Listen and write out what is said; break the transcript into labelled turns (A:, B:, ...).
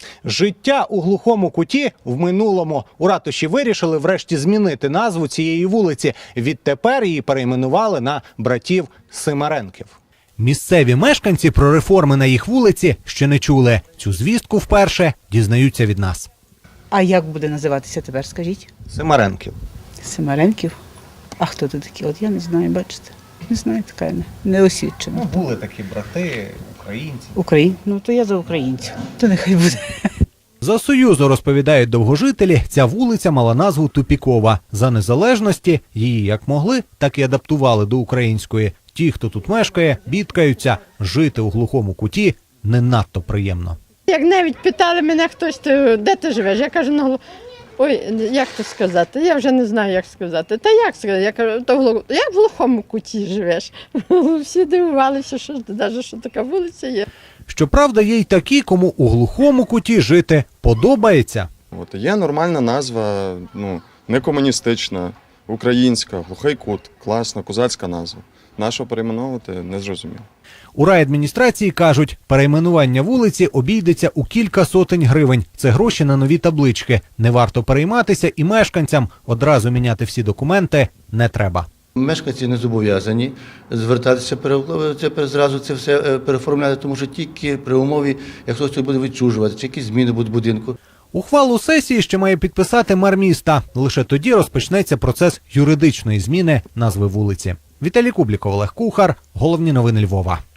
A: Життя у глухому куті в минулому. У ратуші вирішили врешті змінити назву цієї вулиці. Відтепер її перейменували на братів Симаренків. Місцеві мешканці про реформи на їх вулиці ще не чули. Цю звістку вперше дізнаються від нас.
B: А як буде називатися тепер, скажіть?
A: Симаренків.
B: Симаренків? А хто це такі? От я не знаю, бачите. Не знаю, така не освічена.
A: Були такі брати, українці.
B: Ну, то я за українців. То нехай буде.
A: За Союзу, розповідають довгожителі, ця вулиця мала назву Тупікова. За незалежності її як могли, так і адаптували до української. Ті, хто тут мешкає, бідкаються. Жити у глухому куті не надто приємно.
C: Як навіть питали мене хтось, де ти живеш? Я кажу, ну, ой, як то сказати? Я вже не знаю, як сказати. Та як сказати? Я кажу, як в глухому куті живеш? Всі дивувалися, що навіть що така вулиця є.
A: Щоправда, є й такі, кому у глухому куті жити подобається.
D: От є нормальна назва, не комуністична, українська, глухий кут, класна, козацька назва. Нащо перейменовувати, не зрозуміло.
A: У райадміністрації кажуть, перейменування вулиці обійдеться у кілька сотень гривень. Це гроші на нові таблички. Не варто перейматися і мешканцям. Одразу міняти всі документи не треба.
E: Мешканці не зобов'язані звертатися, зразу це все переформляти, тому що тільки при умові, як хтось буде відчужувати, чи якісь зміни будуть в будинку.
A: Ухвалу сесії ще має підписати мер міста. Лише тоді розпочнеться процес юридичної зміни назви вулиці. Віталій Кубліков, Олег Кухар. Головні новини Львова.